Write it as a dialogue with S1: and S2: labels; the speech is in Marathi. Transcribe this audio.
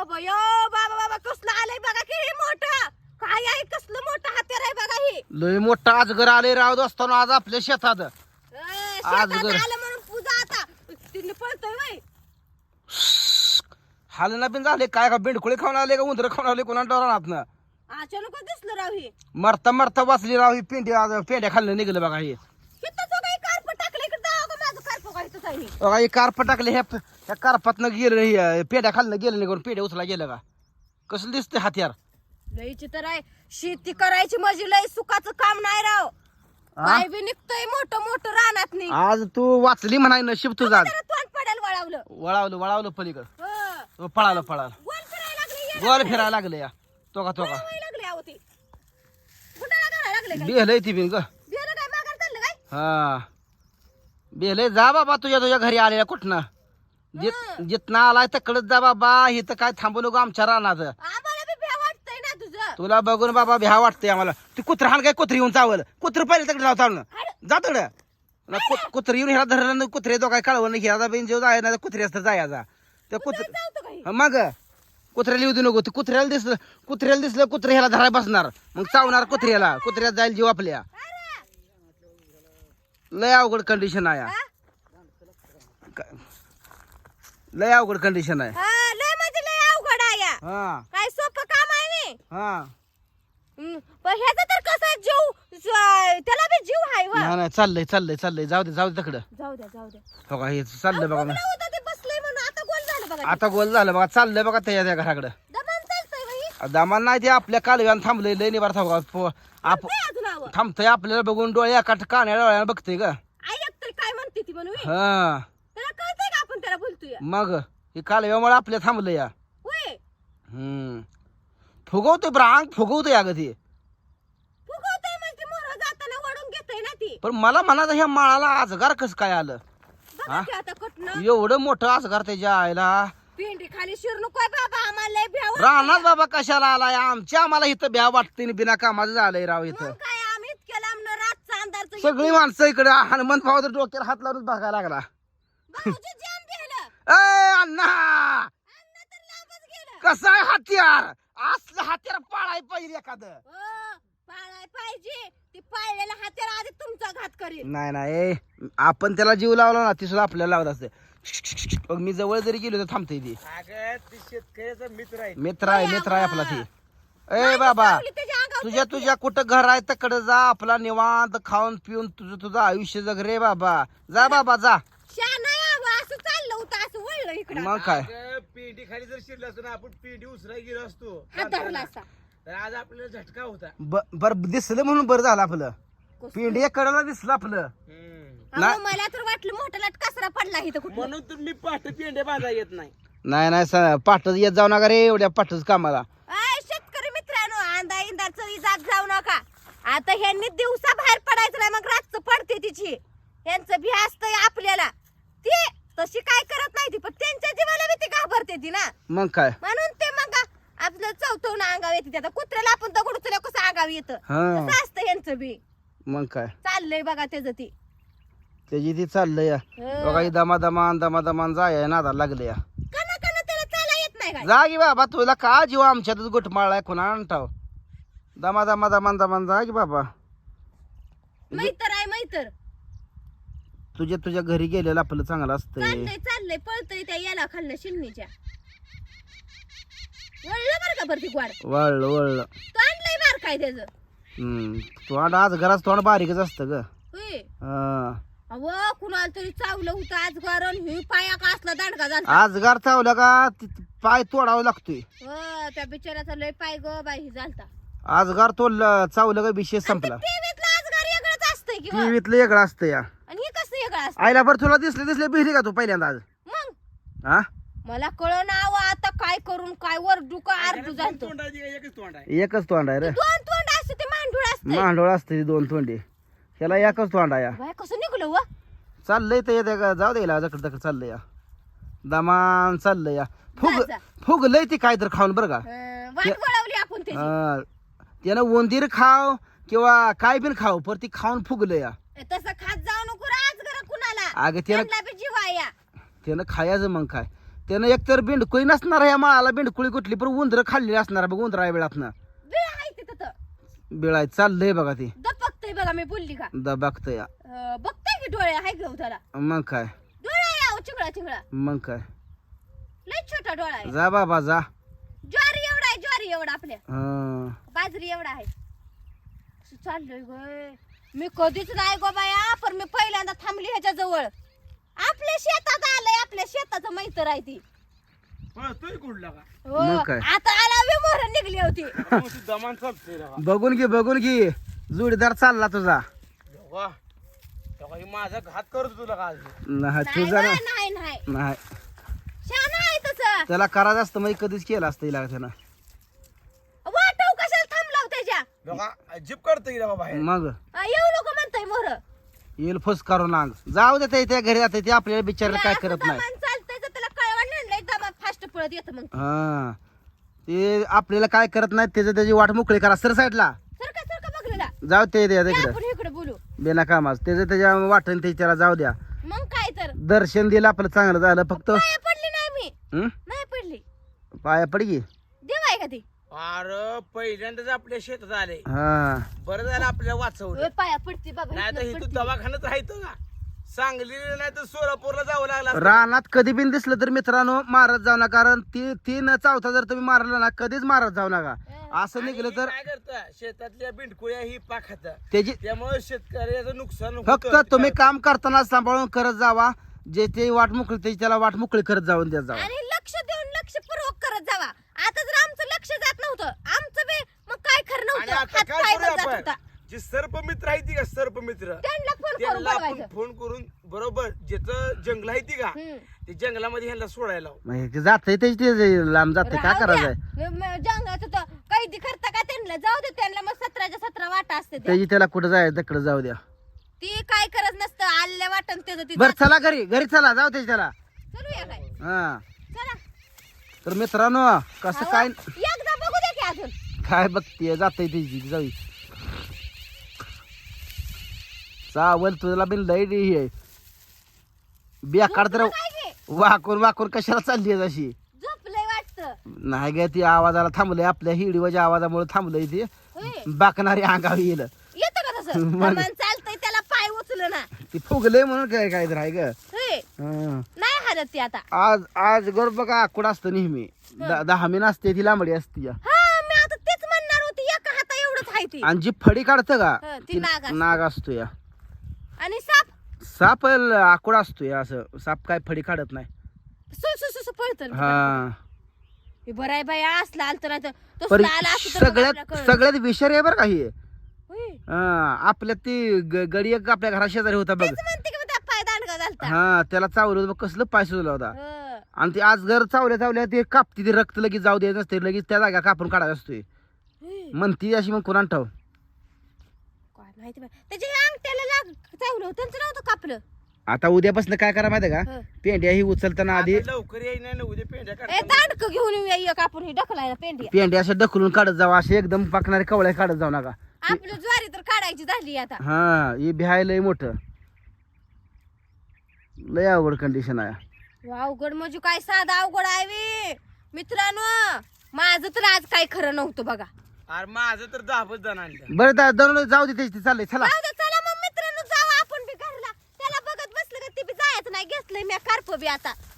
S1: बयो बाबा बाबा कसलं आलंय बघा की हे मोठं काय आहे कसलं मोठं हत्यार आहे बघा हे
S2: लय मोठा अजगर आले राव असताना आज आपल्या शेतात
S1: शेतात आलं म्हणून पूजा आता तिने पळतोय वय
S2: हालना बिन झाले काय का बेंडकुळे खाऊन आले का उंदर खाऊन आले कोणा डोरात
S1: अचानक दिसलं राव हे
S2: मरता मरता वाचली राव ही पेंड्या खाल्लं निघलं बघा हे
S1: किती काही कार्प टाकलं इकडे जाऊ का माझं कार्प काय इथंच आहे हे.
S2: बघा हे कार्प टाकले ह्या कार्पातनं गेलं हे पेंड्या खाल्लं गेलं निघून पेंड्या उचला गेलं का कसं दिसते हत्यार
S1: लय चित्र आहे शेती करायची म्हणजे लय सुखाचं काम नाही राव काय बी निघतंय मोठं मोठं रानात नाही
S2: आज तू वाचली म्हणाय नशीब तुझा आज
S1: तोंड पडेल वळावलं
S2: वळावलं वळावलं पलीकडं
S1: हो.
S2: पळालं पळालं
S1: गोल फिरायला लागले
S2: गोल फिरायला लागले या तो का
S1: लागले आहो ते गुंडाळा घालायला लागले काय
S2: बेलय ती बिन ग
S1: बियाणं काय माघार चाललं काय
S2: हा बेलय जा बाबा तुझ्या घरी आलेल्या कुठनं जिथनं आलाय तकडच जा बाबा इथं काय थांबू नको आमच्या रानात
S1: आम्हाला बी भ्या वाटतंय ना तुझं
S2: तुला बघून बाबा भ्या वाटतंय आम्हाला ती कुत्र हाण काय कुत्री येऊन चावल कुत्र पहिले तकडे जाऊ चालणं जा तकडं कुत्र येऊन ह्याला धरलं कुत्रे तो काय कळवलं नाही ह्याला बिन जेव जाय ना कुत्री असतं जायचा त्या
S1: जाऊतो काही
S2: मग कुत्र्याला येऊ दे नको ते कुत्र्याला दिसलं कुत्रे ह्याला धराय बसणार मग चावणार कुत्र्यात जाईल जीव आपल्या लय अवघड कंडिशन आहे लय अवघड कंडिशन आहे
S1: लय म्हणजे लय अवघड आहे या.
S2: हा
S1: काय सोपं काम आहे नाही
S2: हा
S1: पण ह्याचा तर कसा जीव त्याला बी जीव आहे वा
S2: नाही चाललंय जाऊ दे तकडं
S1: जाऊ द्या
S2: बघा हे चाललंय बघा
S1: बघलं होतं ते बसलंय म्हणून आता गोल झालं बघा
S2: आता गोल झालं बघा चाललंय बघा त्या घराकडं
S1: दमान चालतंय बाई
S2: दामान नाही ते आपल्या कालव्यानं थांबलंय लय निभार
S1: अजून आव
S2: थांबतंय आपल्याला बघून डोळ्या कान्या डोळ्यानं बघतोय का
S1: ऐकतोय काय म्हणते ती म्हणून
S2: हा
S1: त्याला कळतंय का आपण त्याला बोलतोय
S2: मग हे कालव्यामुळे आपल्या थांबलं या
S1: होय
S2: फुगवतोय ब्रांग फुगवतोय अगं ते
S1: फुगवतोय म्हणजे मोर जाताना वडून घेतोय ना ती
S2: पण मला म्हणायचं ह्या माळाला आजगार कसं काय आलं
S1: बघा की आता कटणं
S2: एवढं मोठं आजगार त्याच्या आईला
S1: पिंडी खाली शिर नकोय बाबा आम्हाला लय भ्याव
S2: राहणार बाबा कशाला आलाय आम्हाला इथं भ्या वाटते बिना कामाचं झालंय राव इथं
S1: काय आम्ही इतक्या लांब रातचा अंधारचं
S2: सगळी माणसं इकडे हनुमंत भावाचं डोक्याला हात लावून बघायला लागला
S1: भाऊजी जाम गेलं
S2: ए अण्णा
S1: अन्न तर लांबच गेलं
S2: कसं आहे हत्यार असलं हत्यार पाळाय पाहिजे एखादं
S1: पाळाय पाहिजे ती पाळलेला हत्यार आधी तुमचा घात करेल
S2: नाही आपण त्याला जीव लावला ना ती सुद्धा आपल्याला लावत असते मग मी जवळ जरी गेलो तर थांबते ती
S3: शेतकऱ्याचा
S2: मित्र आहे आपला ती ए बाबा
S1: लावली त्याच्या अंगावर
S2: तुझ्या कुठं घर आहे तकडे जा आपला निवांत खाऊन पिऊन तुझं आयुष्य जग रे बाबा जा बाबा जा
S1: शाना यावं असं चाललं होतं असं वळलं इकडं
S2: मग काय
S3: पेंडी खाली जर शिरला असतो ना आपण पेंडी उसराय गेलो असतो
S1: हात धरला असा
S3: तर आज आपल्याला झटका होता
S2: बर दिसलं म्हणून बरं झालं आपलं पिंडी कडाला दिसलं आपलं
S1: अहो, मला तर वाटलं मोठा लाट कसरा पडला इथं कुठं
S3: म्हणून तर मी पाठ पेंड्या बांधा येत नाही
S2: नाही पाठच येत जाऊ नका रे एवढ्या पाठच कामाला
S1: शेतकरी मित्रांनो अंदा इंदाचं इजात जाऊ नका आता ह्यांनी दिवसा बाहेर पडायचं नाही मग रातचं पडते तिची यांचं भी असतंय आपल्याला ती तशी काय करत नाही ती पण त्यांच्या जीवाला बी ती घाबरते ती ना
S2: मग काय
S1: म्हणून ते मग आपलं चौथवून अंगाव येते आता कुत्र्याला आपण दगड उचलल्या कसं अंगाव येतं
S2: हा
S1: तसं असतं यांचं बी
S2: मग काय
S1: चाललंय बघा त्याचं ती
S2: त्याची ती चाललंय या बघा ही दमादमान जाय नादाला लागले या
S1: कना त्याला चाला येत नाही काय
S2: जा की बाबा तुला का जीव आमच्यातच गुटमाळाय कोणा आणताव दमान जा की बाबा
S1: मैतर आहे मैतर
S2: तुझ्या घरी गेलेलं आपलं चांगलं असतंय
S1: चाललंय पळतय त्या याला खाल्लं शिमणीच्या वळलं बरं का बरं ती ग्वाड
S2: वळलं
S1: तो आणलंय बार काय त्याचं
S2: तोंड आज घराच तोंड बारीकच असतं ग
S1: होय
S2: हा.
S1: अव कुणाला तरी चावलं होतं आज गरण हे पाया का असला दांडगा झाला
S2: आजगार चावला का पाय तोडावा लागतोय
S1: त्या बिचाऱ्याचा लय पाय ग बाई झालता
S2: आजगार तोडलं चावलं का विषय संपला
S1: टीव्हीतला आजगार वेगळंच असतंय किंवा
S2: टीव्हीतलं वेगळं असतं या
S1: आणि हे कसं वेगळं असतं
S2: आईला बरं तुला दिसले भिली का तू पहिल्यांदा आज
S1: मग
S2: हा
S1: मला कळ नाव आता काय करून काय वरडू का आरडू जातो
S3: तोंडाची एकच तोंड आहे
S2: एकच तोंड आहे रे
S1: दोन तोंड असते ते मांडूळ असते
S2: मांडोळ असते दोन तोंडी ह्याला एकच तोंड आहे या
S1: बाय कसं निघलं व
S2: चाललंय तर येते का जाऊ द्यायला जकड चाललंय या दमान चाललंय या
S1: जा.
S2: फुगलंय ती काय तर खाऊन बरं का
S1: वाट वळवली आपण त्याची
S2: त्यानं उंदीर खाव किंवा काय बिन खाव पर ती खाऊन फुगलं या
S1: तसं खात जाऊ नको रे आज घर कुणाला
S2: अगं त्यानं
S1: त्यांना बी जीव आहे या
S2: त्यानं खायचं मग काय त्यानं एकतर बिंडकुळी नसणार ह्या माळाला, बिंडकुळी कुठली पण उंदर खाल्लेली असणार बघ उंदरा वेळातनं
S1: बिळ आहे तिथं
S2: बिळाय चाललंय बघा ती
S1: दपकतय बघा मी बोलली का
S2: बघतोय
S1: बघताय की डोळे आहे घेऊ त्याला
S2: मग काय
S1: डोळा आहे चिंगळा चिंगळा
S2: मग काय
S1: लय छोटा डोळा आहे
S2: जा बाबा जा
S1: ज्वारी एवढा आहे ज्वारी एवढा आपल्या
S2: हं.
S1: बाजरी एवढा आहे असं चाललंय गय मी कधीच नाही गो बाया पण मी पहिल्यांदा थांबली ह्याच्या जवळ आपल्या शेतात आलंय आपल्या शेताचं मैत्र आहे ती
S3: पळतोय कुठला का
S1: हो
S2: मग काय?
S1: आता आला विमोहर निघली होती
S3: मग ती दमान चालतोय राव.
S2: बघून घे जोडीदार चालला तुझा
S3: वा तेव्हा हे माझा घात करतो तुला का आज
S2: नाही
S1: नाही
S2: तुझा
S1: बा,
S2: ना
S1: नाही नाही
S2: नाही
S1: शान आहे तसं
S2: त्याला करायचं असतं म्हणजे कधीच केलं असतं हिला त्यानं
S1: वाटव कशाला थांबलाव त्याच्या
S3: बघा जीप काढतोय रे बाबा
S2: मग
S1: येऊ नको म्हणताय मोर
S2: येईल फुस करून अंग जाऊ दे त्या घरी जाते ते आपल्याला बिचारायला काय करत नाही
S1: चालतंय तर त्याला कळवण नाही दमा फास्ट पळत येतं मग
S2: हा ते आपल्याला काय करत नाही त्याची वाट मोकळी करा सर साईडला
S1: सरका बघलेला
S2: जाऊ ते द्या तिकडे
S1: आपण इकडे बोलू
S2: बिना कामाच त्याच्या वाटण ते त्याला जाऊ द्या
S1: मग काय तर
S2: दर्शन दिलं आपलं चांगलं झालं फक्त
S1: पाया पडली नाही मी
S2: हं?
S1: नाही पडली
S2: पाया पड की
S1: देव आहे का ती
S3: अरे पहिल्यांदाच आपल्या शेतात आले
S2: हा
S3: बरं झालं आपल्याला वाचवलं
S1: ओय, पाया पडती बाबा
S3: नाही तर
S1: इथनं
S3: इथं
S1: पडती.
S3: दवाखान्यात राहायचं का सांगली नाही तर सोलापूरला जावं लागलं असतं.
S2: रानात कधी बिन दिसलं तर मित्रांनो मारत जाऊ नका कारण ती न चावता जर तुम्ही मारला ना कधीच मारत जाऊ नका असं
S3: आणि
S2: निघलं
S3: ही
S2: तर
S3: काय करतं शेतातल्या बिंडकुळ्या ही पाक खातं
S2: त्याची
S3: त्यामुळे शेतकऱ्याचं नुकसान
S2: फक्त
S3: होतं.
S2: तुम्ही काम करताना सांभाळून करत जावा जे ते वाट मोकळी त्याची त्याला वाट मोकळी करत जाऊन द्या जावा
S1: आणि लक्ष देऊन लक्षपूर्वक करत जावा आता जर आमचं लक्ष जात नव्हतं आमचं बे मग काय खरं
S3: आणि
S1: नव्हतं
S3: आता
S1: हात
S3: काय
S1: पाय
S3: करूया
S1: जात
S3: आपण
S1: होता
S3: जे सर्पमित्र आहे ती का सर्पमित्र
S1: त्यांना फोन करून
S3: त्यांना आपण
S1: बघायचं
S3: फोन करून बरोबर ज्याचं जंगल आहे ती का
S1: हम्म.
S3: ते जंगलामध्ये ह्यांना सोडायला लावू.
S2: जाते त्याची ते लांब जाते काय
S1: राहू
S2: करायचंय
S1: द्या. जंगलाचं तर कैदी करता का त्यांना जाऊ दे त्यांना मग 17च्या 17 वाटा असते त्या.
S2: त्याची त्याला कुठं जायचं तिकडे जाऊ द्या
S1: ती काय करत नसतं आलेल्या वाटण त्याचं ती
S2: बर चला घरी चला जाऊ त्याची त्याला
S1: चलूया काय
S2: हा
S1: चला
S2: तर मित्रांनो कसं काय
S1: एकदा बघू दे की अजून
S2: काय बघतीये जाते त्याची जाऊ चावल तुला बिन लय हे आहे बेकार तर
S1: काय घे
S2: वाकून कशाला चालली आहे अशी
S1: झोपलंय वाटतं
S2: नाही ग ती आवाजाला थांबलंय आपल्या हिडीवाच्या आवाजामुळे थांबलंय ती
S1: होय.
S2: बाकणारी अंगावर येईल
S1: येतं का तसं
S2: मग.
S1: कमान चालतंय त्याला पाय उचल ना
S2: ती फुगलंय म्हणून काय तर आहे ग
S1: होय.
S2: हं.
S1: नाही हालत ती आता
S2: आज गर बघा आकुड असतं नेहमी 10 मिन असते ती लांबडी असते
S1: हा मी आता तेच म्हणणार होती एका हाता एवढंच आहे ती
S2: आणि जी फडी काढतं का
S1: हं, ती
S2: ती
S1: नाग असते.
S2: नाग असतो या
S1: आणि साप
S2: साप आकुड असतो या असं साप काय फडी काढत नाही
S1: सु पळतं
S2: हा
S1: हे बरं आहे बाई असला आलं तर आता तो
S2: पण
S1: आला असतं तर मग आपल्याला कळलं.
S2: सगळ्यात विषारी आहे बरं का हे
S1: होय.
S2: आपल्या ती गडी एक आपल्या घरा शेजारी होता बघ
S1: तेच म्हणते की मग त्या पाय दांडगा झालता
S2: हा त्याला चावलं होतं बघ, कसलं पाय सुचला होता
S1: हं.
S2: आणि ते आज घर चावल्या ते कापती ते रक्त लगेच जाऊ द्यायचं नसते लगेच त्या जागा कापून काढायला असतोय
S1: होय.
S2: म्हणती अशी मग कुणाला ठाव
S1: काय माहिती बाई त्याच्या अंगठ्याला चावलं त्यांचं नव्हतं कापलं
S2: आता उद्यापासून काय करा माहिती का
S1: हं.
S2: पेंड्या ही उचलताना आधी
S3: आता लवकर येई नाही ना उद्या पेंड्या
S1: ए
S3: काढतात.
S1: दांडक घेऊन येऊया एक आपण ही ढकलायला पेंडी
S2: पेंड्या अशा ढकलून काढत जावा असे एकदम पाकणारे कवळ्या काढत जाऊ नका
S1: आपलं ज्वारी तर काढायची झाली आता
S2: हा ही बिहाय लय मोठं लय अवघड कंडिशन आहे
S1: अवघड म्हणजे काय साधं अवघड आहे वे मित्रांनो माझं तर आज काय खरं नव्हतं बघा
S3: अरे माझं तर 10 जण आणलं
S2: बरं दररोज जाऊ दे त्याची चाललंय चला
S1: जाऊ दे, चला मग मित्रांनो जाऊ आपण बी घरला त्याला बघत बसलं का ते बी जायचं नाही घेतलंय मी कार्प बी आता